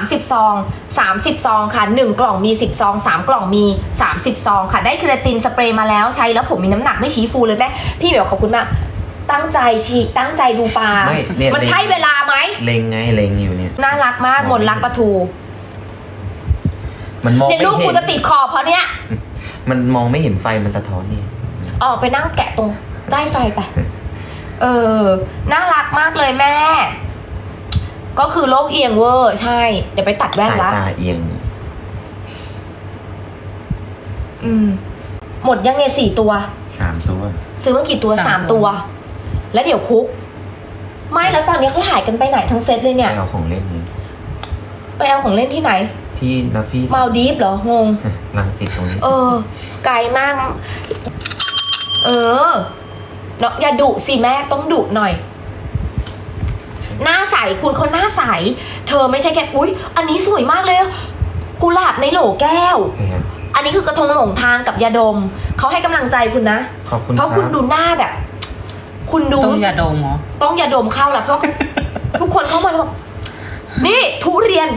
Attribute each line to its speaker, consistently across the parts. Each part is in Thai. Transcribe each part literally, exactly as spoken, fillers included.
Speaker 1: สิบซองสามสิบซองค่ะหนึ่งกล่องมีสิบซองสามกล่องมีสามสิบซองค่ะได้เคราตินสเปรย์มาแล้วใช้แล้วผมมีน้ำหนักไม่ชี้ฟูเลยแม่พี่แบบขอบคุณมากตั้งใจชีตั้งใจดูปลา
Speaker 2: ไม่เนี่ย
Speaker 1: มันใช่เวลาไหม
Speaker 2: เล็งไงเล็งอยู่เนี่ย
Speaker 1: น่ารักมากมนรักปลาทู
Speaker 2: มันมอง
Speaker 1: เดี๋ยว
Speaker 2: ไม่
Speaker 1: ลูก
Speaker 2: เห็
Speaker 1: กู
Speaker 2: น
Speaker 1: จะติดคอเพราะเนี้ย
Speaker 2: มันมองไม่เห็นไฟมันสะท้อนนี่
Speaker 1: ออกไปนั่งแกะตรงใต้ไฟไป เออ น่ารักมากเลยแม่ ก็คือโลกเอียงเวอร์ใช่ เดี๋ยวไปตัดแว่น
Speaker 2: สาย
Speaker 1: ละ
Speaker 2: ตาเอียง
Speaker 1: อืม หมดยังไงสี่ตัว
Speaker 2: สามตัว
Speaker 1: ซื้อมากี่ตัว
Speaker 3: สาม
Speaker 1: สาม
Speaker 3: ตั
Speaker 1: ตัว
Speaker 3: ว
Speaker 1: แล้วเดี๋ยวคุก ไม่แล้วตอนนี้เขาหายกันไปไหนทั้งเซตเลยเนี่ย
Speaker 2: ไปเอาของเล่นนี่
Speaker 1: ไปเอาของเล่นที่ไหน
Speaker 2: ที่นาฟี่
Speaker 1: มาลดีฟเหรอ งง
Speaker 2: ลังสิตตรงนี้
Speaker 1: เออ ไกลมาก เออเนาะอย่าดุสิแม่ต้องดุหน่อย หน้าใสคุณเขาหน้าใส เธอไม่ใช่แค่อุ๊ย อันนี้สวยมากเลยกุหลาบในโหลแก้ว
Speaker 2: นะครับ
Speaker 1: อันนี้คือกระทงหลงทางกับยาดม เขาให้กำลังใจคุณนะ
Speaker 2: ขอบคุณ
Speaker 1: เพ
Speaker 2: ครั
Speaker 1: ราะคุณ
Speaker 2: บ
Speaker 1: ดูหน้าแบบ คุณดู
Speaker 3: ต้องยาดมเหรอ
Speaker 1: ต้องยาดมเข้าแล้วเพราะ ทุกคนเข้ามาแล้วบอกนี่ทุเรียน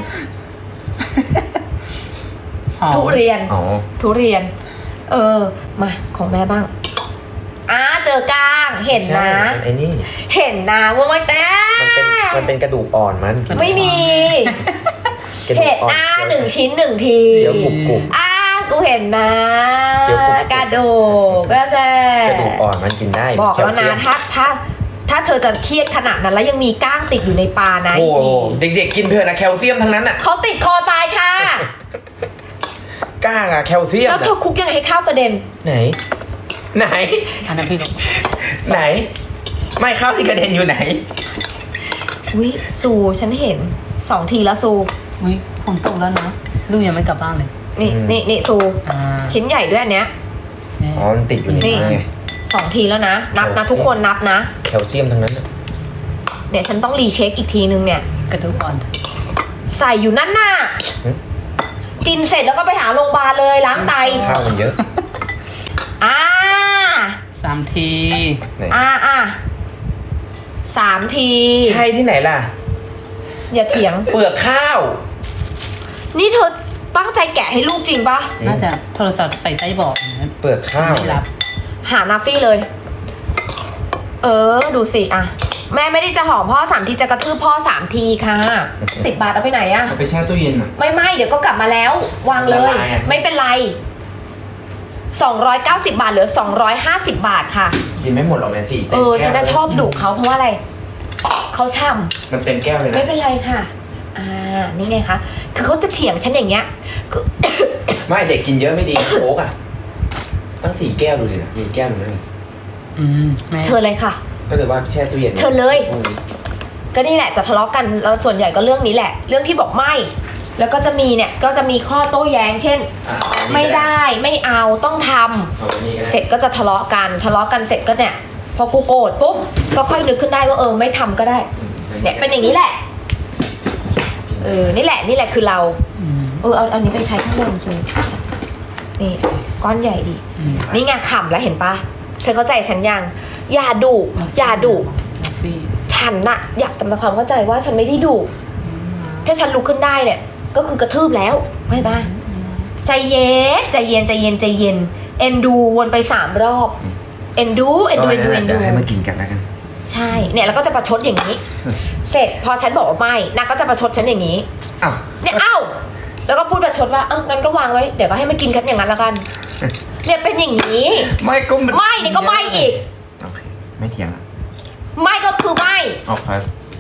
Speaker 3: อ๋อ
Speaker 1: ทุเรียน
Speaker 2: อ๋อ
Speaker 1: ทุเรียน เออ มาของแม่บ้างอ่าเจอกลางเห็นนะ
Speaker 2: ใช่ไอ้นี่
Speaker 1: เห็นนะว่าไม่แต่
Speaker 2: มันเป็นมันเป็นกระดูกอ่อนมัน
Speaker 1: ไม่มี
Speaker 2: กระดู
Speaker 1: เห็
Speaker 2: ก
Speaker 1: น
Speaker 2: อ่อน
Speaker 1: นะหนึ่งชิ้นหนึ่งที
Speaker 2: เคี้ยวกรุบกรุบ
Speaker 1: อ่ากูเห็นนะ
Speaker 2: เคี้ยวกรุบๆ
Speaker 1: กระดูกก็แต่
Speaker 2: กระดูกอ่อนมันกินได้
Speaker 1: บอกแล้วนะ
Speaker 2: คลเซียม
Speaker 1: ถ้าถ้าถ้าเธอจะเครียดขนาดนั้นแล้วยังมีก้างติดอยู่ในปลานะ
Speaker 2: โอ้โห
Speaker 1: อี
Speaker 2: เด็กๆกินเถอะนะแคลเซียมทั้งนั้นอ่ะ
Speaker 1: เขาติดคอตายค่ะ
Speaker 2: ก้างอะแคลเซียม
Speaker 1: แล้ว
Speaker 2: อะ
Speaker 1: เธอคุกยังไงให้ข้าวกระเด็น
Speaker 2: ไหน ไหน
Speaker 3: อันนั้นพี่ลง
Speaker 2: ไหน ไม่ข้าวที่กระเด็นอยู่ไหน
Speaker 1: วิซูฉันเห็นสองทีแล้วซู
Speaker 3: อุ้ยฝนตกแล้วนะลูกยังไม่กลับบ้านเลย
Speaker 1: นี่
Speaker 2: อืม
Speaker 1: นี่นี่ซู
Speaker 3: อ่า
Speaker 1: ชิ้นใหญ่ด้วยอันเนี้ย
Speaker 3: แม่
Speaker 2: อ๋อมันติดอยู่ใน
Speaker 1: นี่
Speaker 2: นั้นไง
Speaker 1: สองทีแล้วนะ นับนะทุกคนนับนะ
Speaker 2: แคลเซียมทั้งนั้นอะ
Speaker 1: เดี๋ยวฉันต้องรีเช็คอีกทีนึงเนี่ย
Speaker 3: กระดูกอ่อน
Speaker 1: ใส่อยู่นั่นน่ะ
Speaker 2: หึ
Speaker 1: กินเสร็จแล้วก็ไปหาโรงพยาบาลเลยล้างไต
Speaker 2: ข้าวมันเยอะ
Speaker 1: อ่า
Speaker 3: สามที
Speaker 2: ไหน
Speaker 1: อ่าอ่าสามที
Speaker 2: ใช่ที่ไหนล่ะ
Speaker 1: อย่าเถียง
Speaker 2: เปลือกข้าว
Speaker 1: นี่เธอตั้งใจแกะให้ลูกจริงปะ
Speaker 2: จริง
Speaker 3: น่าจะโทรศัพท์ใส่ใต้เบาะอย่างนั้น
Speaker 2: เปลือกข้าว
Speaker 3: ไม่รับ
Speaker 1: หานาฟี่เลย เออ ดูสิอ่ะ แม่ไม่ได้จะหอมพ่อสามทีจะกระทืบพ่อสามทีค่ะสิบบาทเอาไปไหนอะ
Speaker 2: เอาไปแช่ตู้เย็นอ่ะ
Speaker 1: ไม่ไม่เดี๋ยวก็กลับมาแล้ว วางเลย
Speaker 2: ละลายอะ
Speaker 1: ไม่เป็นไรสองร้อยเก้าสิบบาทเหลือสองร้อยห้าสิบบาทค่ะ
Speaker 2: กินไม่หมดหรอกแม่สี่
Speaker 1: เออฉันน่ะชอบดุเขาเพราะว่าอะไรเขาช่
Speaker 2: มันเต็มแก้วเลย
Speaker 1: ำไม่
Speaker 2: นะ
Speaker 1: เป็นไรค่ะ อ่านี่ไงคะคือเขาจะเถียงฉันอย่างเงี้ยคือ
Speaker 2: ไม่เด็กกินเยอะไม่ดีโค้กอ่ะ ตั้งสี่แก้วดูสินะมีแก้วหนึงนั่น
Speaker 3: อืมแม่
Speaker 1: เธอเลยค่ะ
Speaker 2: ก็เลยว่าแช่ตู้เย็น
Speaker 1: เชิญเลย
Speaker 2: พรุ่งนี้
Speaker 1: ก็นี่แหละจะทะเลาะกันแล้วส่วนใหญ่ก็เรื่องนี้แหละ เรื่องที่บอกไม่ แล้วก็จะมีเนี่ยก็จะมีข้อโต้แย้ง เช่น
Speaker 2: อ่ะอันนี้
Speaker 1: ไม่
Speaker 2: ก็
Speaker 1: ได้ไม่เอาต้องทำ
Speaker 2: เอาอันนี้ก็ได้
Speaker 1: เสร็จก็จะทะเลาะกันทะเลาะกันเสร็จก็เนี่ย พอกูโกรธปุ๊บก็ค่อยนึกขึ้นได้ว่าเออไม่ทำก็ได้ เนี่ยเป็นอย่างนี้แหละ เออนี่แหละนี่แหละคือเรา
Speaker 3: อืม
Speaker 1: เออเอาเอานี้ไปใช้ข้างบนจูนี่ก้อนใหญ่ดี
Speaker 3: อืม
Speaker 1: นี่ไงขำแล้วเห็นปะเธอเข้าใจฉันยังอย่าดุอย่าดุ
Speaker 3: นาฟี่
Speaker 1: ฉันน่ะอยากทำความเข้าใจว่าฉันไม่ได้ดุถ้าฉันลุกขึ้นได้เนี่ย ก็คือกระทืบแล้วไม่ปะใจเย็นใจเย็นใจเย็นใจเย็นเอ็นดูวนไปสามรอบเอ็นดูเอ็นดูเอ็นดูเอ็นดู
Speaker 2: ดี๋ยวให้มากินกันแล้วกัน
Speaker 1: ใช่เนี่ยแล้วก็จะประชดอย่างนี้ เสร็จพอฉันบอกว่าไม่นางก็จะประชดฉันอย่างนี้
Speaker 2: อ้าว
Speaker 1: เนี่ยเอ้าแล้วก็พูดประชดว่าเอ้างั้นก็วางไว้เดี๋ยวก็ให้มากินกันอย่างนั้นละกัน เนี่ยเป็นอย่างนี้
Speaker 2: ไม่ก็น
Speaker 1: ไม่เนี่ยก็ไม่อีก
Speaker 2: โอเคไม่เถียงอ่ะ
Speaker 1: ไม่ก็คือไม่
Speaker 2: โอเค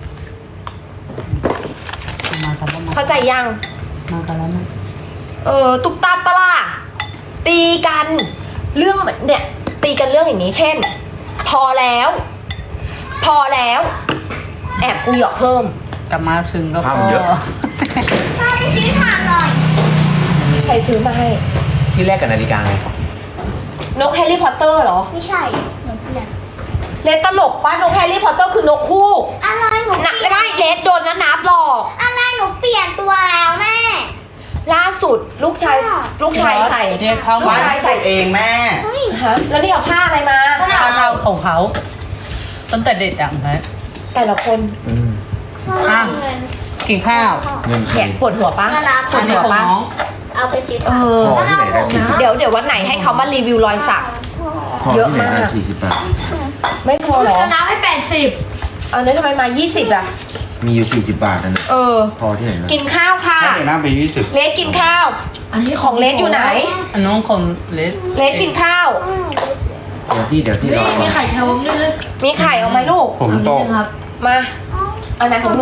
Speaker 3: มากันแล้วมา
Speaker 1: เข้าใจยัง
Speaker 3: มากันแล้วนะ
Speaker 1: เออตุกตาปะล่ะตีกันเรื่องเหมือนเนี่ย ตีกันเรื่องอย่างนี้ เช่น พอแล้ว พอแล้ว แอบกูหยอกเพิ่ม
Speaker 3: กลับมาถึงก็พ
Speaker 2: ข้าว
Speaker 3: อ
Speaker 2: เยอะ
Speaker 4: ป้าไปซื้อถ่านหน่อย
Speaker 1: ใครซื้อมาให้
Speaker 2: ที่แรกกับนาฬิกาไง
Speaker 1: นกแฮร์รี่พอตเตอร์เหรอ
Speaker 4: ไม่ใช่หนูเปลี่ยน
Speaker 1: เลสตลกป้านกแฮร์รี่พอตเตอร์คือนกคู่
Speaker 4: อะไรหนู
Speaker 1: หนัก
Speaker 4: เปลี่
Speaker 1: ไม่
Speaker 4: ยน
Speaker 1: ไม่เลสโดนนะนับหรอก
Speaker 4: อะไรหนูเปลี่ยนตัวแล้วแม่
Speaker 1: ล่าสุดลูกชาย
Speaker 4: ค่ะ
Speaker 1: ลูกชายใส่
Speaker 3: เรียกเข้า
Speaker 1: ลูก
Speaker 3: มา
Speaker 1: ชายใส่
Speaker 5: เองแม่
Speaker 4: เฮ้ย
Speaker 1: ฮะแล้วนี่เอาผ้าอะไรมา
Speaker 3: ข้าวเขาเขาเขาตั้งแต่เด็กอ่ะนะ
Speaker 1: แต่ละคน
Speaker 2: อืม
Speaker 4: พ่อ
Speaker 3: อ่ะ
Speaker 4: เอาเงิน
Speaker 3: กินข้าว
Speaker 2: เงินใค
Speaker 1: แข
Speaker 2: ร
Speaker 1: นปวดหัวปะ
Speaker 4: มารับ
Speaker 1: ป
Speaker 3: อั
Speaker 1: วน ด
Speaker 3: นี้
Speaker 1: หัว
Speaker 3: ของ
Speaker 1: ปะ
Speaker 3: น้อง
Speaker 4: เอาไปซื้อ
Speaker 1: เอ
Speaker 4: ถ่าน
Speaker 1: อ
Speaker 2: พอที่ไหนได้สี่สิบ
Speaker 1: เดี๋ยวเดี๋ยววันไหนให้เขามารีวิวรอยสัก
Speaker 2: พอ
Speaker 1: เยอะ
Speaker 2: ที่ไหน
Speaker 1: มาก
Speaker 2: ได้สี่สิบบาท
Speaker 1: ไม่พอเหรอ
Speaker 5: น้ำให้แปดสิบ
Speaker 1: เอาเนี่ยทำไมมายี่สิบอ่ะ
Speaker 2: มีอยู่สี่สิบบาทนั่นนะ
Speaker 1: เออ
Speaker 2: พอที่ไหนนะ
Speaker 1: กินข้าวค่ะ
Speaker 6: ถ้าเดี๋ยวหน้าไปยี่สิบ
Speaker 1: เลสกินข้าว
Speaker 5: อันนี้
Speaker 1: ของเลสอยู่ไหน
Speaker 3: อันน้องของเลส
Speaker 1: เลสกินข้าว
Speaker 2: เดี๋ยวที่เดี๋ยวที่
Speaker 5: นี่
Speaker 2: รอ
Speaker 5: มีไข่เค็มด้วยนะ
Speaker 1: มีไข่เอาไหมลูก
Speaker 6: ผมโตก
Speaker 5: ครับ
Speaker 1: มาอันไหนของหนู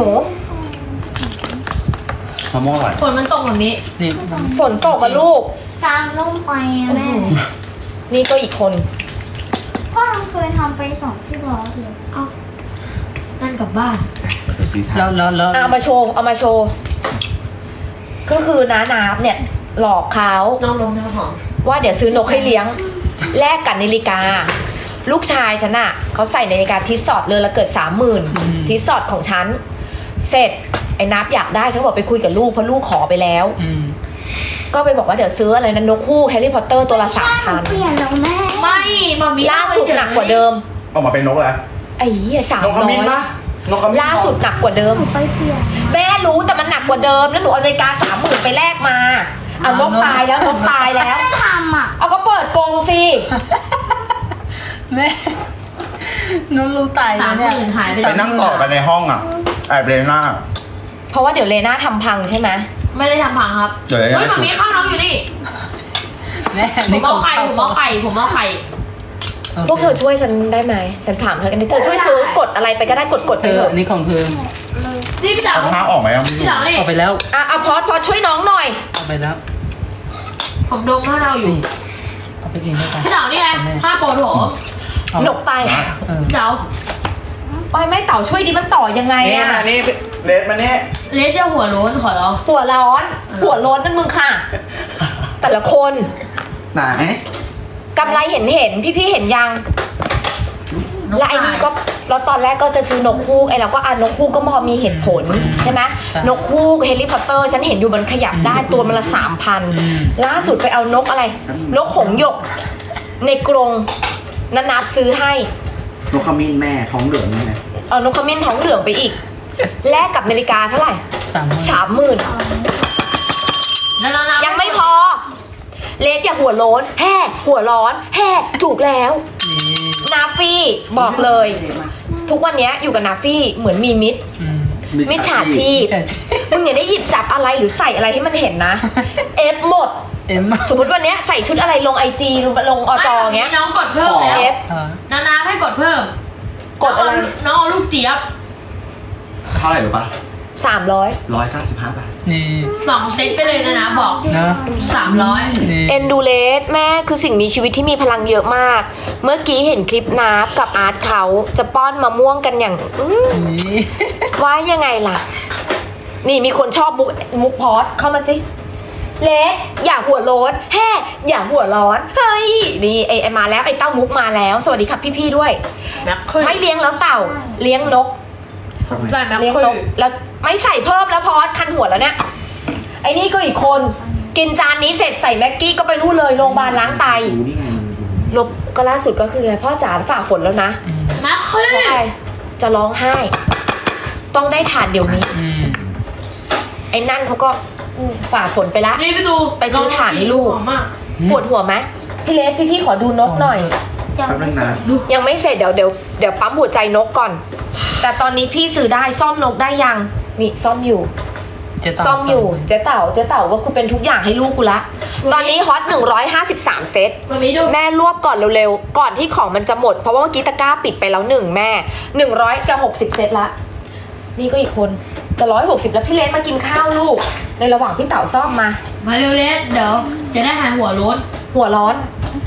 Speaker 6: มะม่วงอร่อย
Speaker 5: ฝนมันตกแบบนี้
Speaker 3: นี่
Speaker 1: ฝนตกกับลูก
Speaker 4: กลางร่มไฟอะแม่
Speaker 1: นี่ก็อีกคน
Speaker 4: พ่อเคยทำไปสองที่ร้อยเลย
Speaker 5: นั่นกลับบ้าน
Speaker 2: ไปซื้อทาน
Speaker 3: แล้วแล้วแล้ว
Speaker 1: เอามาโชว์ เอามาโชว์ ก็คือน้านาบเนี่ย หลอกเขา
Speaker 5: น้องลงน้ำหอม
Speaker 1: ว่าเดี๋ยวซื้อนกให้เลี้ยง แลกกับนาฬิกา ลูกชายฉันอะเขาใส่นาฬิกาทิสซอดเลยละเกิดสามหมื่นทิสซอดของฉัน เสร็จไอ้นับอยากได้ฉันบอกไปคุยกับลูกเพราะลูกขอไปแล้ว
Speaker 3: อืม
Speaker 1: ก็ไปบอกว่าเดี๋ยวซื้ออะไรนะนกคู่แฮร์รี่พอตเตอร์ตัวละสามพัน
Speaker 4: เปลี่ยนแล้วแม่
Speaker 5: ไม่มามี
Speaker 1: ล่าสุดหนักกว่าเดิม
Speaker 6: ออกมาเป็นนกแล้ว
Speaker 1: ไอ้เหี้ยสาม
Speaker 6: นกข
Speaker 1: ร้อ
Speaker 6: มิ้น
Speaker 1: ย
Speaker 6: ปะนกขมิ้น
Speaker 1: ล่าสุดหนักกว่าเดิม
Speaker 4: ไปเปลี่ยน
Speaker 1: แม่รู้แต่มันหนักกว่าเดิมแล้วหนูเอานาฬิกาสามหมื่นไปแลกมาเอานกตายแล้วนกตายแล้ว
Speaker 4: ไม่ทำอ่ะ
Speaker 1: เอาก็เปิดกรงสิ
Speaker 3: แม่น้องรู้ตาย
Speaker 5: สาม
Speaker 3: แล้ว
Speaker 5: ห
Speaker 3: เนี่ย
Speaker 5: มื่นหายไป
Speaker 6: ไปนั่งต่อกันในห้องอ่ะแอบเลยหน้า
Speaker 1: เพราะว่าเดี๋ยวเลน่าทำพังใช่ไหม
Speaker 5: ไม่ได้ทำพังครับ
Speaker 6: เดี๋ยว
Speaker 5: เฮ้ย
Speaker 6: นะ
Speaker 5: มามีข้าวน้องอยู่นี่
Speaker 3: แม่
Speaker 5: ผมเอาไข่ผมเอาไข่ผมเอาไข่
Speaker 1: พวกเธอช่วยฉันได้ไหมฉันถามเธอกันดิเธอช่วยซื้อกดอะไรไปก็ได้กดกด
Speaker 3: เธ
Speaker 1: ไป
Speaker 3: อ
Speaker 1: เถอะ
Speaker 3: นี่ของเธอ
Speaker 5: นี่พี่เต๋า
Speaker 6: เอาผ้าออกไหมอ่ะ
Speaker 5: พี่เต๋านี่
Speaker 3: เอาไปแล้ว
Speaker 1: อ่ะเอาพอดพอดช่วยน้องหน่อย
Speaker 3: เอาไปแล้ว
Speaker 5: ผมดมข้าวเราอยู่
Speaker 3: นี่เอาไปกินด้วยกัน
Speaker 5: พี่เต๋านี่ไงผ้าโปรโถม
Speaker 3: เอา
Speaker 1: หนกตาย
Speaker 3: เออ
Speaker 5: พี่เต๋า
Speaker 1: ไปไม่เต่าช่วยดิมันต่อยังไง
Speaker 6: นี่
Speaker 1: อะ
Speaker 6: มานี่เลสมานี่
Speaker 5: เลสจะหัวโล้นขอร้อง
Speaker 1: หัวร้อน หัวโล้นนั่นมึงค่ะ แต่ละคน
Speaker 6: ไหน
Speaker 1: กำไรเห็นเห็นพี่พี่ๆเห็นยังและไอ้นี่ก็เราตอนแรกก็จะซื้อนกคู่ไอ้เราก็อ่านนกคู่ก็พอมีเหตุผลใช่ไหมนกคู่แฮร์รี่พอตเตอร์ฉันเห็นอยู่มันขยับได้ตัวมันละสามพัน
Speaker 3: อืม
Speaker 1: ล่าสุดไปเอานกอะไร นกหงส์หยก ในกรงนันนับซื้อให้
Speaker 6: นกขมิ้นแม่ท้องเหลืองนี่ไง
Speaker 1: เอานกขมิ้นท้องเหลืองไปอีก แลกกับนาฬิกาเท่าไหร่
Speaker 3: สามหมื่น
Speaker 1: สามหมื่น
Speaker 5: แล้วน้ำ
Speaker 1: ยังไม่พอ เลสอย่าหัวโล้นแห่หัวร้อนแห่ถูกแล้ว
Speaker 3: นี่
Speaker 1: นาฟี่บอกเลย ทุกวันเนี้ยอยู่กับนาฟี่เหมือนมีมิตร
Speaker 3: อืม
Speaker 1: มิจฉาชีพ
Speaker 3: แต่
Speaker 1: มึงอย่าได้หยิบจับอะไรหรือใส่อะไรให้มันเห็นนะ เอฟหมด
Speaker 3: เอ็ม
Speaker 1: สมมติวันเนี้ยใส่ชุดอะไรลงไอจีลงลงอจอเงี้ย
Speaker 5: น้องกดเพิ่มแล้ว
Speaker 1: เอฟ
Speaker 3: เออ
Speaker 5: นานาให้กดเพิ่ม
Speaker 1: กดอะไร
Speaker 5: น้องเอาลูกเจี๊ยบ
Speaker 6: เท่าไหร่รู้ปะ
Speaker 1: สามร้อย
Speaker 6: ร้อยเก้าสิบห้าบาท
Speaker 3: นี่
Speaker 5: สองเซตไปเลยนะนะบอก
Speaker 3: เนอะ
Speaker 5: สามร้อย
Speaker 3: นี่
Speaker 1: เอ็นดูเลสแม่คือสิ่งมีชีวิตที่มีพลังเยอะมาก เมื่อกี้เห็นคลิปนาฟกับอาร์ตเขาจะป้อนมะม่วงกันอย่างอื้อ
Speaker 3: นี่
Speaker 1: ว่ายังไงล่ะ นี่มีคนชอบมุกมุกพอดเข้ามาสิเลสอย่าหัวโล้นแฮ่อย่าหัวร้อนเฮ้ยนี่ไอไอมาแล้วไอเต้ามุกมาแล้ว สวัสดีครับพี่ๆด้วย
Speaker 5: แม็กคือ
Speaker 1: ไม่เลี้ยงแล้วเต่า เลี้ยงนก
Speaker 5: ใส่แม็ก
Speaker 1: เลี้ยง
Speaker 5: คื
Speaker 1: น
Speaker 5: อก
Speaker 1: แล้วไม่ใส่เพิ่มแล้วพอดคันหัวแล้วเนี่ยไอ้นี่ก็อีกคน กินจานนี้เสร็จใส่แม็กกี้ก็ไปนู่นเลยโรงพยาบาลล้างไต
Speaker 6: ดูนี่ไงดู
Speaker 1: ลบก็ล่าสุดก็คือไงพ่อจ๋าฝ่าฝนแล้วนะ
Speaker 3: อืม
Speaker 5: แม็กคือ
Speaker 1: เพราะอะไรจะร้องไห้ ต้องได้ทานเดี๋ยวนี้
Speaker 3: อืม
Speaker 1: ไอ้นั่นเขาก็อืมฝ่าฝนไปละ
Speaker 5: นี่ไปดู
Speaker 1: ไปซื้อถ่านให้ลูก
Speaker 5: หอมมาก
Speaker 1: ปวดหัวไหมพี่เลสพี่พี่ๆขอดูนกหน่อย
Speaker 6: แป๊บนึงนะ
Speaker 1: ยังไม่เสร็จเดี๋ยวเดี๋ยวเดี๋ยวปั๊มหัวใจนกก่อน แต่ตอนนี้พี่ซื้อได้ซ่อมนกได้ยังนี่ซ่อมอยู่
Speaker 3: เจ๊ต่
Speaker 1: ซ่อมอยู่เจ๊เต่าเจ๊เต่าก็คือเป็นทุกอย่างให้ลูกกูละ ตอนนี้ฮอตหนึ่งร้อยห้าสิบสามเซต
Speaker 5: มามีดู
Speaker 1: แม่รวบก่อนเร็วๆ ก่อนที่ของมันจะหมด เพราะว่าเมื่อกี้ตะกร้าปิดไปแล้วหนึ่งแม่หนึ่งร้อยจะหกสิบเซตละ นี่ก็อีกคนจะร้อยหกสิบแล้วพี่เลสมากินข้าวลูก ในระหว่างพี่เต่าซ่อมมา
Speaker 5: มาเร็วเลสเดี๋ยวจะได้หายหัวโล้น
Speaker 1: หัวร้อน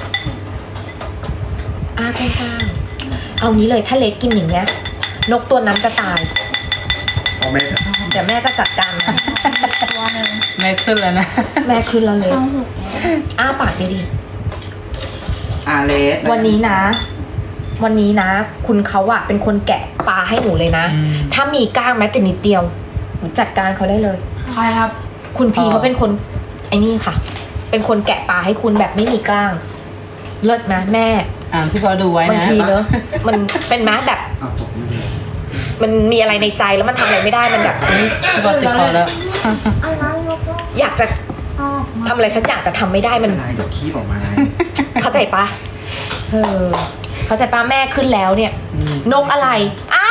Speaker 1: อ้าข้างๆเอางี้เลยถ้าเลสกินอย่างเงี้ย นกตัวนั้นจะตาย
Speaker 6: เอาไม่
Speaker 1: เดี๋ยวแม่จะจัดการมัน
Speaker 3: แม่ขึ้นแล้วนะ
Speaker 1: แม่คืนเราเลยอ้าปากดี
Speaker 6: อาเลส
Speaker 1: ๆวันนี้นะ วันนี้นะ คุณเขาอะเป็นคนแกะปลาให้หนูเลยนะ
Speaker 3: อืม
Speaker 1: ถ้ามีก้างแม้แต่นิดเดียวหนูจัดการเขาได้เลย
Speaker 5: ใครครับ
Speaker 1: คุณพี
Speaker 3: อ๋อ
Speaker 1: เขาเป็นคนไอ้นี่ค่ะ เป็นคนแกะปลาให้คุณแบบไม่มีกล้าง เลิศนะแม่
Speaker 3: อ่าพี่พอดูไว้
Speaker 1: บาง
Speaker 3: นะ
Speaker 1: ทีเนอะมันเป็นม้าแบบ
Speaker 6: เอาตกไม่ได้
Speaker 1: มันมีอะไรในใจแล้วมันทำอะไรไม่ได้มันแบบ
Speaker 3: พี่บอลติดคอแล้ว
Speaker 4: อันนั้นแล้วก็
Speaker 1: อยากจะ
Speaker 4: เอาออกมา
Speaker 1: ทำอะไรสักอย่างแต่ทำไม่ได้มัน
Speaker 6: ลายเดี๋ยวขี้ออกมาไง
Speaker 1: เข้าใจปะเออเข้าใจปะแม่ขึ้นแล้วเนี่ย นกอะไรอ้าน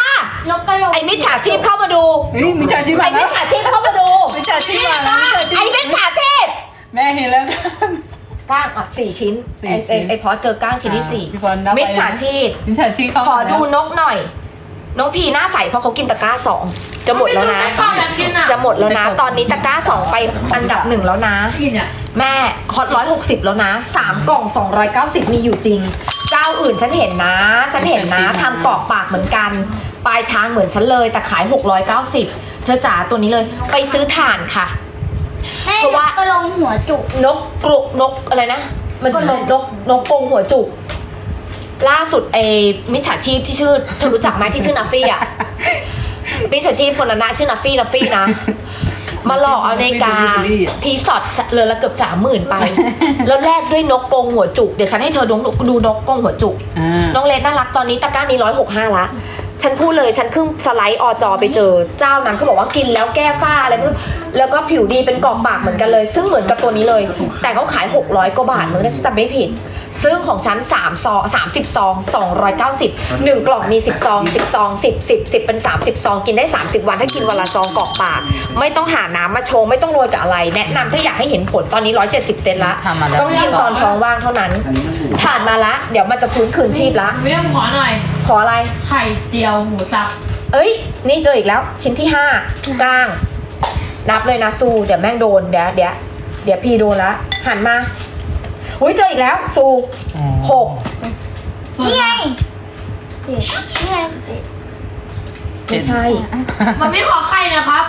Speaker 4: กกระโหลก
Speaker 1: ไอ้มิจฉาชีพเข้ามาดู
Speaker 3: เฮ้ยมิจฉาชีพ
Speaker 1: ไอ้
Speaker 3: มา
Speaker 1: มิ
Speaker 3: แล้
Speaker 1: จ
Speaker 3: ว
Speaker 1: ฉาชีพเข้ามาดู
Speaker 3: มิจฉาชีพมาแล้วมิจฉาชี
Speaker 1: ไอ้
Speaker 3: พ
Speaker 1: มิจฉาชีพ
Speaker 3: แม่เห็นแล้ว
Speaker 1: ก้างอ่ะสี่ชิ้น
Speaker 3: สี่
Speaker 1: ไอ้
Speaker 3: ชิ้
Speaker 1: ไอ้
Speaker 3: น
Speaker 1: ไอ้พอเจอก้างชิ้นที่สี่
Speaker 3: พี่บอลนับไป
Speaker 1: มิจฉาชีพ
Speaker 3: มิจฉาชีพเข้า
Speaker 1: ขอ
Speaker 3: มาแล้ว
Speaker 1: ดูนกหน่อย น้องพีหน้าใสเพราะเขากินตะกร้าสองจะหมดแล้วนะ
Speaker 5: ข้าวแบบกินอ่ะ
Speaker 1: จะหมดแล้วนะ ตอนนี้ตะกร้าสองไปอันดับหนึ่งแล้วนะ
Speaker 5: กินอ่ะ
Speaker 1: แม่ฮอตร้อยหกสิบแล้วนะสามกล่องสองร้อยเก้าสิบมีอยู่จริง เจ้าอื่นฉันเห็นนะ ฉันเห็นนะทำกรอกปากเหมือนกัน ปลายทางเหมือนฉันเลยแต่ขายหกร้อยเก้าสิบเธอจ๋าตัวนี้เลยไปซื้อถ่านค่ะ
Speaker 4: แม่
Speaker 1: เพราะว่า
Speaker 4: นกกระโหลกหัวจุก
Speaker 1: นกกรุนกอะไรนะ มันชื่อนกนกกรงหัวจุก ล่าสุดไอ้มิจฉาชีพที่ชื่อเธอรู้จักไหมที่ชื่อนัฟฟี่อ่ะ มิจฉาชีพคนนั้นนะชื่อนัฟฟี่นัฟฟี่นะ มาหลอกเอานาฬิกาทีสอดเรือนละเกือบสามหมื่นไป แล้วแลกด้วยนกกรงหัวจุก เดี๋ยวฉันให้เธอดูดูนกกรงหัวจุก
Speaker 3: อ่า
Speaker 1: น้องเลนน่ารักตอนนี้ตะกร้านี้ร้อยหกห้าละ ฉันพูดเลยฉันขึ้นสไลด์อจอไปเจอเจ้านั้นเขาบอกว่ากินแล้วแก้ฝ้าอะไรไม่รู้แล้วก็ผิวดีเป็นกรอบปากเหมือนกันเลย ซึ่งเหมือนกับตัวนี้เลย แต่เขาขายหกร้อยกว่าบาทมึงได้ฉันจำไม่ผิด ซึ่งของฉันสามซองสามสิบซองสองร้อยเก้าสิบหนึ่งกล่องมีสิบซองสิบซองสิบ สิบ สิบเป็นสามสิบซองกินได้สามสิบวันถ้ากินวันละซองกรอกปาก ไม่ต้องหาน้ำมาชงไม่ต้องโรยกับอะไร แนะนำถ้าอยากให้เห็นผลตอนนี้ร้อยเจ็ดสิบเซนละ
Speaker 3: ทำมาแล้ว
Speaker 1: ต้องกินตอนท้องว่างเท่านั้น
Speaker 6: อันนี้มันอยู่
Speaker 1: ผ่านมาละเดี๋ยวมันจะฟื้นคืนชีพละ
Speaker 5: เมี่ยมขอหน่อย
Speaker 1: ขออะไร
Speaker 5: ไข่เจียวหมูสับ
Speaker 1: เอ้ย นี่เจออีกแล้ว ชิ้นที่ห้ากลาง นับเลยนะซูเดี๋ยวแม่งโดน เดี๋ยวเดี๋ยวเดี๋ยวพี่โดนละหันมาอุ้ยเจออีกแล้วซู
Speaker 3: อ๋อ
Speaker 1: หก
Speaker 4: นี่ไงเจ็ดนี่ไงเจ็ด
Speaker 1: ไม่ใช่
Speaker 5: มันไม่ขอไข่นะครับ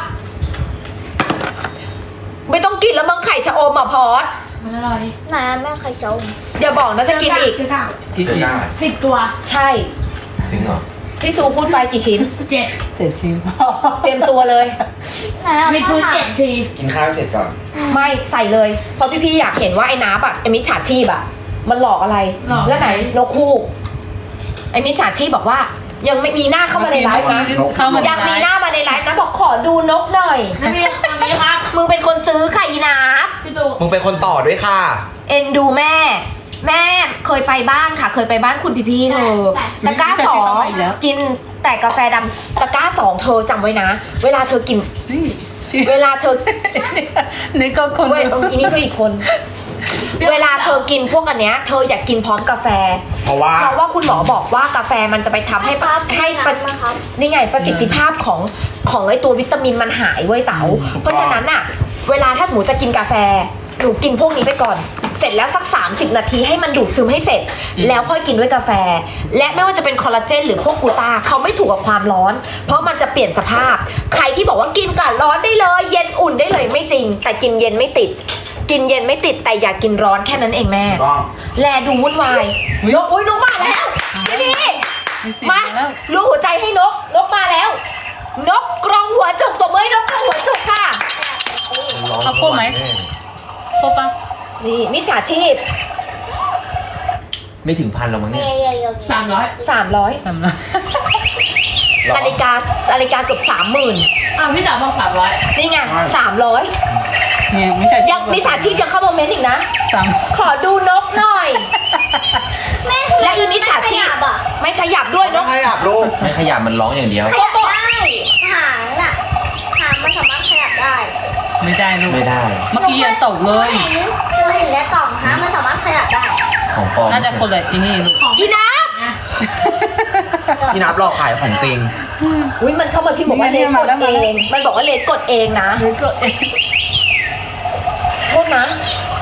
Speaker 1: ไม่ต้องกินแล้วมั้งไข่ชะอมอ่ะพอด
Speaker 5: มันอร่อย
Speaker 4: ไหนอะแม่ใครเจ้า
Speaker 1: อย่าบอกนะจะกินอีก
Speaker 5: เจอกล้าง
Speaker 3: กิน
Speaker 2: เจอ
Speaker 3: อีก
Speaker 2: ได้
Speaker 5: สิบตัว
Speaker 1: ใช่
Speaker 2: จริงเหรอ
Speaker 1: ที่ซูพูดไปกี่ชิ้น
Speaker 5: เจ็ด
Speaker 3: เจ็ดชิ้น
Speaker 1: เตรียมตัวเลย
Speaker 4: ไหนอะ
Speaker 5: มีทุกเจ็ดที
Speaker 2: กินข้าวเสร็จก่อน
Speaker 1: ไม่ใส่เลย เพราะพี่ๆอยากเห็นว่าไอ้น้าแบบไอ้มิจฉาชีพอะมันหลอกอะไร แล้วไหนนกคู่ไอ้มิจฉาชีพบอกว่า ยังไม่มีหน้าเข้ามาในไลฟ์นะ
Speaker 3: เข้ามาใน
Speaker 1: ยังมี
Speaker 3: ไล
Speaker 1: หน้า
Speaker 3: ฟ์
Speaker 1: มาในไลฟ์นะบอกขอดูนกหน่อย
Speaker 5: น้ำเมี่ยมตัวนี้ครับ
Speaker 1: มึงเป็นคนซื้อค่ะอีนับ
Speaker 5: พี่ตู่
Speaker 2: มึงเป็นคนต่อด้วยค่ะ
Speaker 1: เอ็นดูแม่ แม่เคยไปบ้านค่ะ เคยไปบ้านคุณพี่พี่ๆเธอตะกร้าสองกินแต่กาแฟดำตะกร้าสองเธอจำไว้นะ เวลาเธอกิน
Speaker 3: นี่ชิ้น
Speaker 1: เวลาเธอ
Speaker 3: นี่ก็คน
Speaker 1: เว้ยเอออีนี่ก็อีกคน เวลาเธอกินพวกอันเนี้ยเธออยากกินพร้อมกาแฟ
Speaker 2: เพราะว่า
Speaker 1: เพราะว่าคุณหมอบอกว่ากาแฟมันจะไปทำให้ป้าให้ประสิทธิ
Speaker 4: นะครับ
Speaker 1: นี่ไงประสิทธิภาพของของไอตัววิตามินมันหายเว้ยเต๋าเพราะฉะนั้นน่ะ เวลาถ้าสมมติจะกินกาแฟหนูกินพวกนี้ไปก่อน เสร็จแล้วสักสามสิบนาทีให้มันดูดซึมให้เสร็จ แล้วค่อยกินด้วยกาแฟ และไม่ว่าจะเป็นคอลลาเจนหรือพวกกลูตาเขาไม่ถูกกับความร้อน เพราะมันจะเปลี่ยนสภาพ ใครที่บอกว่ากินกับร้อนได้เลย เย็นอุ่นได้เลยไม่จริง แต่กินเย็นไม่ติด กินเย็นไม่ติดแต่อย่ากินร้อนแค่นั้นเองแม่
Speaker 6: ก็
Speaker 1: แลดูวุ่นวายนกอุ้ยนกมาแล้วพี่พี่
Speaker 3: มีสิบ
Speaker 1: มา
Speaker 3: แล้ว
Speaker 1: ลูกหัวใจให้นก นกมาแล้ว นกกรงหัวจุกตัวเมื่อยนกกรงหัวจุกค่ะ
Speaker 3: เอาพวกไหม ครบปะ
Speaker 1: นี่มิจฉาชีพ
Speaker 2: ไม่ถึงพันหรอกมั้ง
Speaker 4: เย
Speaker 2: เนี่ย
Speaker 4: เยเย
Speaker 5: สามร้อย
Speaker 1: สามร้อย
Speaker 3: ทำนะ
Speaker 1: นาฬิกานาฬิกาเกือบสามหมื่น
Speaker 5: อ่ะพี่จ๋าบอกสามร้อย
Speaker 1: นี่ไงสามร้อย
Speaker 3: เนี่ยมิจฉาชีพ
Speaker 1: ยังมิจฉาชีพยังเข้าโมเมนต์อีกนะ
Speaker 3: สาม
Speaker 1: ขอดูนกหน่อย
Speaker 4: แม่
Speaker 1: และอีมิจฉาชีพ
Speaker 4: ขยับอะ
Speaker 1: ไม่ขยับด้วยน
Speaker 6: ไม่
Speaker 1: ก
Speaker 6: ขยับลูก
Speaker 2: ไม่ขยับมันร้องอย่างเดียว
Speaker 4: ขยับได้หางอะหางมันสามารถขยับได้
Speaker 3: ไม่ได้ลูก
Speaker 2: ไม่ได้
Speaker 3: เมื่อกี้ยังตกเลย
Speaker 4: หนูเห็นหนูเห็นในกล่องหางมันสามารถขยับได้
Speaker 2: ของปลอม
Speaker 3: น่าจะคนละที่นี่ลูก
Speaker 5: ของ
Speaker 1: อีนะ
Speaker 5: นะ
Speaker 6: พี่นับหลอกขายของจริง
Speaker 1: อุ้ยมันเข้ามาพี่บอกว่าเลนกดเอง มันบอกว่าเลนกดเองนะ
Speaker 3: หรือก็เอ๊ะ
Speaker 1: โทษนะ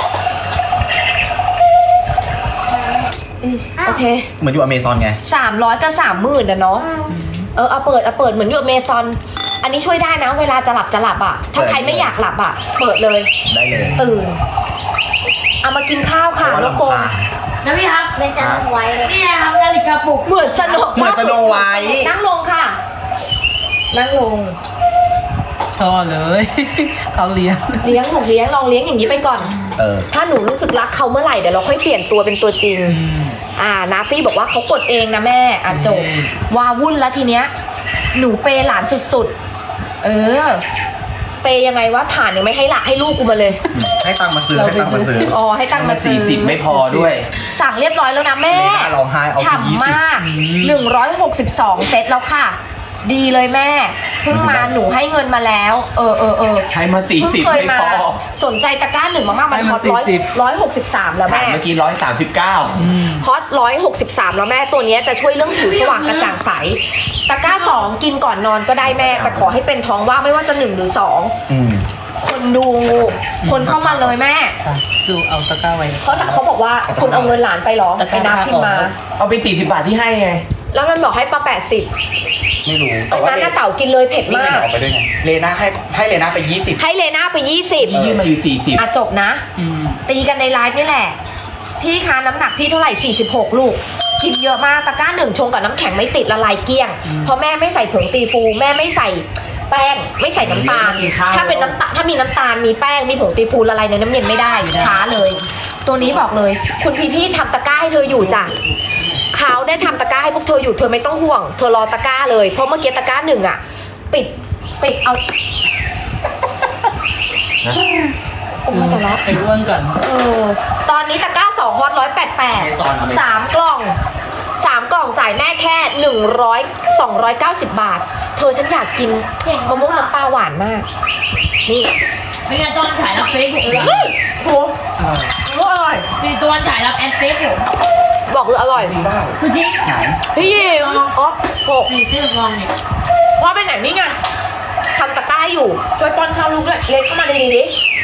Speaker 1: อืมโอเค
Speaker 6: เหมือนอยู่อเมซอนไง
Speaker 1: สามร้อยกับสามหมื่นนะเนาะ เออเอาเปิดเอาเปิดเหมือนอยู่เมซอน อันนี้ช่วยได้นะ เวลาจะหลับจะหลับอ่ะ ถ้าใครไม่อยากหลับอ่ะ เปิดเลย
Speaker 6: ได้เลย
Speaker 1: ตื่น เอามากินข้าวค่ะ
Speaker 6: เพราะว่า
Speaker 1: แล้วโกง
Speaker 6: ลำคาญ
Speaker 5: นะพี่ครับ
Speaker 4: เป็นสนุกไว้เลย
Speaker 5: นี่ไงครับนาฬิกาปลุก
Speaker 1: เหมือนสนุก
Speaker 6: เหมือนสโนไวท์
Speaker 1: นั่งลงค่ะ นั่งลง
Speaker 3: ชอบเลย เขาเลี้ยง
Speaker 1: เลี้ยงหนูเลี้ยงลองเลี้ยงอย่างนี้ไปก่อน
Speaker 6: เออ
Speaker 1: ถ้าหนูรู้สึกรักเขาเมื่อไหร่เดี๋ยวเราค่อยเปลี่ยนตัวเป็นตัวจริง อ่านาฟี่บอกว่าเขากดเองนะแม่อ่ะจบ
Speaker 3: อืม
Speaker 1: วาวุ่นแล้วทีเนี้ยหนูเปย์หลานสุดๆ เออ เปย์ยังไงวะฐานยังไม่ให้หลักให้ลูกกูมาเลย
Speaker 6: ให้ตังค์มาซื้อให้ตังค์มาซื้อ
Speaker 1: อ๋อให้ตังค์มาซื้
Speaker 2: สี่
Speaker 1: อ
Speaker 2: สิบไม่พอด้วย
Speaker 1: สั่งเรียบร้อยแล้วนะแม่
Speaker 6: เลน่าร้องไห้เอาไปยี่สิบ
Speaker 1: ฉ่ำมากหนึ่งร้อยหกสิบสองเซตแล้วค่ะ ดีเลยแม่ เพิ่งมาหนูให้เงินมาแล้ว เออเออเออ
Speaker 2: ให้มาสี่
Speaker 1: เพิ่ง
Speaker 2: สิบ
Speaker 1: เคย
Speaker 2: ไม่
Speaker 1: มา
Speaker 2: พอ
Speaker 1: สนใจตะกร้าหนึ่งมากๆมันฮอตร้อยร้อยหกสิบสามแล้ว
Speaker 2: ถาม
Speaker 1: แม่
Speaker 2: เมื่อกี้ร้อยสามสิบเก้า
Speaker 1: ฮอตร้อยหกสิบสามแล้วแม่ตัวเนี้ยจะช่วยเรื่องผิวสว่างกระจ่างใส ตะกร้าสองกินก่อนนอนก็ได้แม่ แต่ขอให้เป็นท้องว่างไม่ว่าจะหนึ่งหรือสอง
Speaker 2: อืม
Speaker 1: คนดู คนเข้ามาเลยแม่
Speaker 3: ค่ะสู้เอาตะกร้าไว้
Speaker 1: เขาถามเขาบอกว่าคุณเอาเงินหลานไปเหรอไปนับพิมพ์มา
Speaker 2: เอาไปสี่สิบบาทที่ให้ไง
Speaker 1: แล้วมันบอกให้มาแปดสิบ
Speaker 6: ไม่รู้
Speaker 1: ตอนนั้นน่าเต่ากินเลยเผ็ด
Speaker 6: นี่
Speaker 1: มา
Speaker 6: ไง
Speaker 1: ก
Speaker 6: ออกไปด้วยไงเลน่าให้ให้เลน่าไปยี่สิบ
Speaker 1: ให้เลน่าไปยี่สิบ
Speaker 2: นี่ยื่นมาอยู่สี่สิบ
Speaker 1: อ่ะจบนะ
Speaker 3: อืม
Speaker 1: ตีกันในไลฟ์นี่แหละ พี่คะน้ำหนักพี่เท่าไหร่สี่สิบหกลูก กินเยอะมากตะกร้าหนึ่งชงกับน้ำแข็งไม่ติดละลายเกลี้ยง เพราะแม่ไม่ใส่ผงตีฟูแม่ไม่ใส่แป้งไม่ใส่น้ำตาล ถ้าเป็นน้ำตาลถ้ามีน้ำตาลมีแป้งมีผงตีฟูละลายในน้ำเย็นไม่ได้ช้าเลย ตัวนี้บอกเลย คุณพี่พี่ทำตะกร้าให้เธออยู่จ้ะเขาได้ทำตะกร้าให้พวกเธออยู่เธอไม่ต้องห่วง เธอรอตะกร้าเลยเพราะเมื่อกี้ตะกร้าหนึ่งอ่ะ ปิดปิดเอา
Speaker 2: นะ
Speaker 1: โอ้ยแต่ละ
Speaker 3: ไปอ้วนก่อน
Speaker 1: เออตอนนี้ตะกร้าสองฮอตร้อยแปดแปดสามกล่องสามกล่องจ่ายแม่แค่หนึ่งร้อยสองร้อยเก้าสิบบาท เธอฉันอยากกินมะม่วงน้ำปลาหวานมาก นี่
Speaker 5: เป็นไงตอนฉายรับเฟซผมเลย
Speaker 1: เฮ้ยโห
Speaker 3: อร่อย
Speaker 1: โหอร่อย
Speaker 5: มีตอนฉายรับแอดเฟซผม
Speaker 1: บอกเลยอร่อย
Speaker 6: จริงเปล่า
Speaker 5: คือจริง
Speaker 6: ไหน
Speaker 1: พี่ยิมอ๋อโห
Speaker 5: มีเสื้อลองเนี่ย
Speaker 1: พ่อไปไหนนี่ไงทำตะกร้าอยู่ ช่วยป้อนข้าวลูกด้วยเล็กเข้ามาดีๆดิ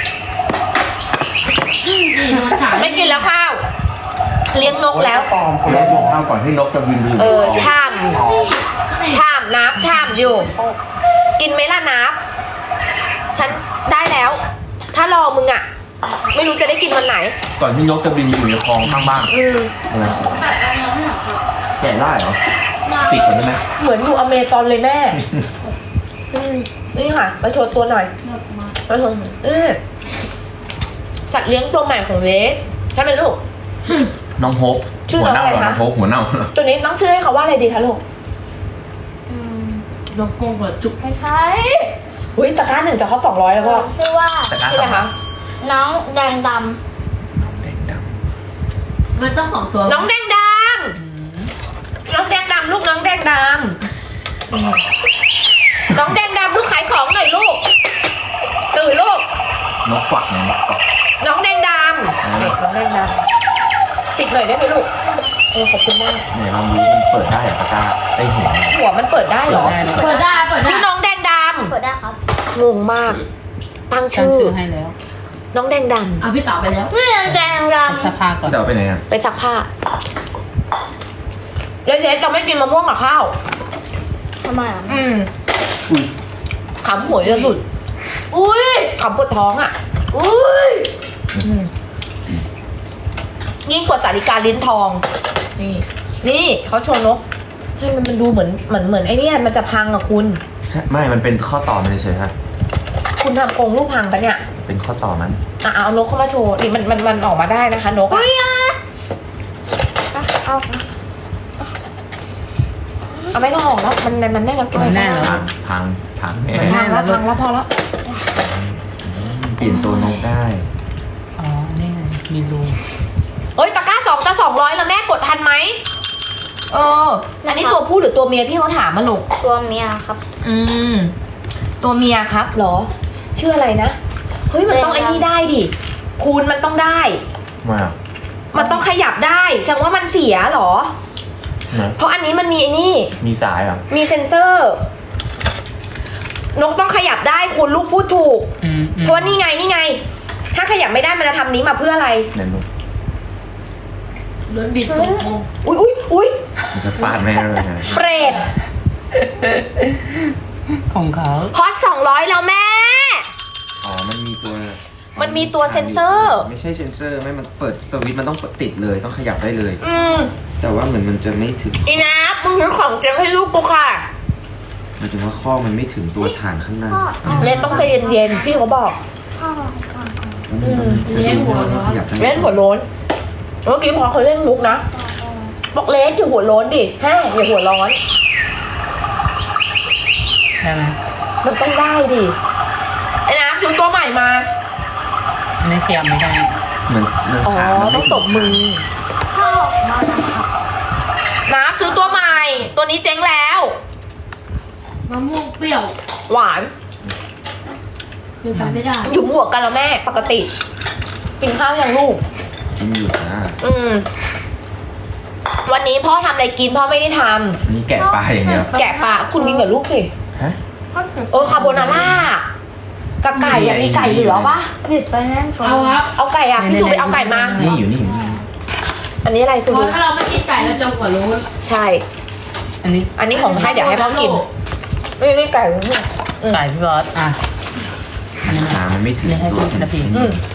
Speaker 5: นี่ตอนฉาย
Speaker 1: ไม่กินแล้วข้าว เลี้ยงนกแล้ว
Speaker 6: ปลอมคุณ
Speaker 2: แล้
Speaker 6: แล้ว ว
Speaker 2: ดูข้าวก่อนที่นกจะบินไปอยู่
Speaker 1: เออช่ำช่ำนับช่ำอยู่ กินไหมล่ะนับ ฉันได้แล้ว ถ้ารอมึงอ่ะ ไม่รู้จะได้กินวันไหน
Speaker 2: ก่อนที่นกจะบินไปอยู่ในคลองข้างบ้าน
Speaker 1: อืม
Speaker 2: อะไร
Speaker 5: แต่ตอนนี้ไม่หรอกครับ
Speaker 2: แกะได้เหรอติดก่อนได้ไหม
Speaker 1: เหมือนอยู่อเมซอนเลยแม่อืมนี่ค่ะมาโชว์ตัวหน่อย
Speaker 5: เลิกมา
Speaker 1: มาโชว์เออสัตว์เลี้ยงตัวใหม่ของเลสใช่ไหมลูก
Speaker 2: น้องโฮป
Speaker 1: ชื่อ
Speaker 2: หัว
Speaker 1: น้อง
Speaker 2: เน่า
Speaker 1: อะไร
Speaker 2: เหรอ
Speaker 1: คะ
Speaker 2: น้องโฮปหัวเน่า
Speaker 1: ตัวนี้ต้องชื่อให้เขาว่าอะไรดีคะลูก
Speaker 4: อืม
Speaker 5: ลงกงหัวจุก
Speaker 4: ไม่ใช่
Speaker 1: อุ้ยตะกร้าหนึ่งจะเขาสองร้อยแล้วก็
Speaker 4: ชื่อว่า
Speaker 2: แต่กล้า
Speaker 1: ชื่ออะไร
Speaker 2: ทำ
Speaker 1: คะ
Speaker 4: น้องแดงด
Speaker 5: มันต้องสองตัว
Speaker 1: น้องแดงดำน้องแดงดำลูกน้องแดงดำน้องแดงดำลูกขายของหน่อยลูกตื่นลูก
Speaker 2: นกกวักเนี่ยนกกวัก
Speaker 1: น้องแดงดำเด็กน้องแดงดำติดหน่อยได้ไหมลูกเออขอบคุณมาก
Speaker 2: เนี่ยลองดูมันเปิดได้เหรอตะกร้าได้หัวไหม
Speaker 1: หัวมันเปิดได้เหรอ
Speaker 5: เปิดได้เปิดได้
Speaker 1: ชื่อน้องแดงด
Speaker 4: ำเปิดได้ครับ
Speaker 1: ำงงมาก ตั้ง
Speaker 3: ตั้ง
Speaker 1: ชื่อ
Speaker 3: ชื่อให้แล้ว
Speaker 1: น้องแดงด
Speaker 5: เอาพี่เต๋าไปแล้ว
Speaker 4: นี่แดงด
Speaker 3: ไปสภาก่อน
Speaker 2: พี่เต๋าไปไหนอ่ะ
Speaker 1: ำไปซักผ้าเจ๊ๆจะไม่กินมะม่วงกับข้าว
Speaker 4: ำทำไมอ่ะ
Speaker 1: อืม
Speaker 2: อุ้ย
Speaker 1: ขำหัวจะหลุด
Speaker 4: อุ้ย
Speaker 1: ขำปวดท้องอ่ะ
Speaker 4: อุ้ย
Speaker 1: ยิ่งกว่าสาริกาลิ้นทอง นี่ นี่เขาโชว์นกให้มันมันดูเหมือนเหมือนเหมือนไอ้เนี่ยมันจะพังอะคุณ
Speaker 2: ใช่ไม่มันเป็นข้อต่อมันเฉยๆฮะ
Speaker 1: คุณทำกรงลูกพังปะเนี่ย
Speaker 2: เป็นข้อต่อมัน
Speaker 1: อ่ะเอานกเข้ามาโชว์นี่มันมันมันออกมาได้นะคะ นกอะ
Speaker 4: อุ้ยอ่ะอ่ะเอา
Speaker 1: เอาไม่ต้องออกแล้วมันมันได้แล้วกิน
Speaker 3: มันแน่แล้ว
Speaker 2: พังพังพังแน่
Speaker 1: มันพังแล้วพังแล้วพอแล้ว
Speaker 2: เปลี่ยนตัวนกได้
Speaker 3: อ๋อ นี่ไง มีรู
Speaker 1: เอ้ยตะกร้าสองจะสองร้อยแล้วแม่กดทันไหมเอออันนี้ตัวผู้หรือตัวเมียพี่เขาถามมาลูก
Speaker 4: ตัวเมียครับ
Speaker 1: อืม ตัวเมียครับเหรอ ชื่ออะไรนะ เฮ้ยมันต้องไอ้นี่ได้ดิคูณมันต้องได้
Speaker 2: มา
Speaker 1: มันต้องขยับได้แสดงว่ามันเสียเหรอ
Speaker 2: นะ
Speaker 1: เพราะอันนี้มันมีไอ้นี่
Speaker 2: มีสายเหรอ
Speaker 1: มีเซ็นเซอร์ นกต้องขยับได้คุณลูกพูดถูก
Speaker 3: อืมอืม
Speaker 1: เพราะว่านี่ไงนี่ไง ถ้าขยับไม่ได้มันจะทำนี้มาเพื่ออะไร
Speaker 2: เดี๋ยวนุก
Speaker 5: ล้นบิดตกงง
Speaker 1: อุ้ยอุ้ยอุ้ย
Speaker 2: มันจะฟาดแม่เลยนะ
Speaker 1: เปรต
Speaker 3: ของเขา
Speaker 1: ฮอตสองร้อยแล้วแม่
Speaker 2: อ๋อมันมีตัว
Speaker 1: มันมีตัวเซ็นเซอร์
Speaker 2: ไม่ใช่เซ็นเซอร์ไม่มันเปิดสวิตช์มันต้องติดเลยต้องขยับได้เลย
Speaker 1: อืม
Speaker 2: แต่ว่าเหมือนมันจะไม่ถึง
Speaker 1: อีนับมึงซื้อของเตรียมให้ลูกกูค่ะ
Speaker 2: หมายถึงว่าข้อมันไม่ถึงตัวฐานข้างหน้า
Speaker 1: เลนต้องใจเย็นๆพี่เขาบอก
Speaker 4: พ่อก่อนก่อน
Speaker 2: เล่นหัวขยับได้
Speaker 1: เล่นหัวโล้นเมื่อกี้พอเขาเล่นมุกนะ บอกเลสอย่าหัวโล้นดิแฮ่อย่าหัวร้อน
Speaker 3: ได้ไหม
Speaker 1: มันต้องได้ดิไอ้น้ำซื้อตัวใหม่มา
Speaker 3: อันนี้ขยับไม่ได้
Speaker 2: เหมือนเหมือน
Speaker 1: อ๋อ
Speaker 2: ขามัน
Speaker 1: ต้
Speaker 2: ไม่
Speaker 1: อง
Speaker 2: ถึ
Speaker 1: ตบมือ
Speaker 4: พ่อออกมานะครับ
Speaker 1: น้ำซื้อตัวใหม่ ตัวนี้เจ๊งแล้ว
Speaker 5: มะม่วงเปรี้ยว
Speaker 1: หวาน
Speaker 5: อยู่กันไม่ได้
Speaker 1: อยู่บวกกันแล้วแม่ ปกติ กินข้าวยังลูก
Speaker 2: กินอยู่นะ
Speaker 1: อืม วันนี้พ่อทำอะไรกินพ่อไม่ได้ท
Speaker 2: นี่แกะปลาอย่างเดียว
Speaker 1: ำแกะปลาคุณกินกับลูกสิ
Speaker 2: ฮะ
Speaker 4: พ่อเผ็ด
Speaker 1: เออคาโบนาร่ากับไก่อะมีไก่เหลือปะ
Speaker 4: เผ็ดไปนั่นก่อน
Speaker 5: เอาครับ
Speaker 1: เอาไก่อะพี่สุไปเอาไก่มา
Speaker 2: นี่อยู่นี่อยู่นี่
Speaker 1: อันนี้อะไรสุ
Speaker 5: เพ
Speaker 1: ดู
Speaker 5: ราะถ้าเราไม่กินไก่เราจมกว่ารู้
Speaker 1: ใช่
Speaker 3: อันนี้
Speaker 1: อันนี้ของให้เดี๋ยวให้พ่อกินนี่นี่ไก่นี่อืม
Speaker 3: ไก่พี่บอสอ่ะอันนี้
Speaker 2: ขามันไม่ถึง
Speaker 3: นี่ให้
Speaker 2: ตัว
Speaker 3: พี่
Speaker 2: สิ
Speaker 3: นาที
Speaker 1: อืม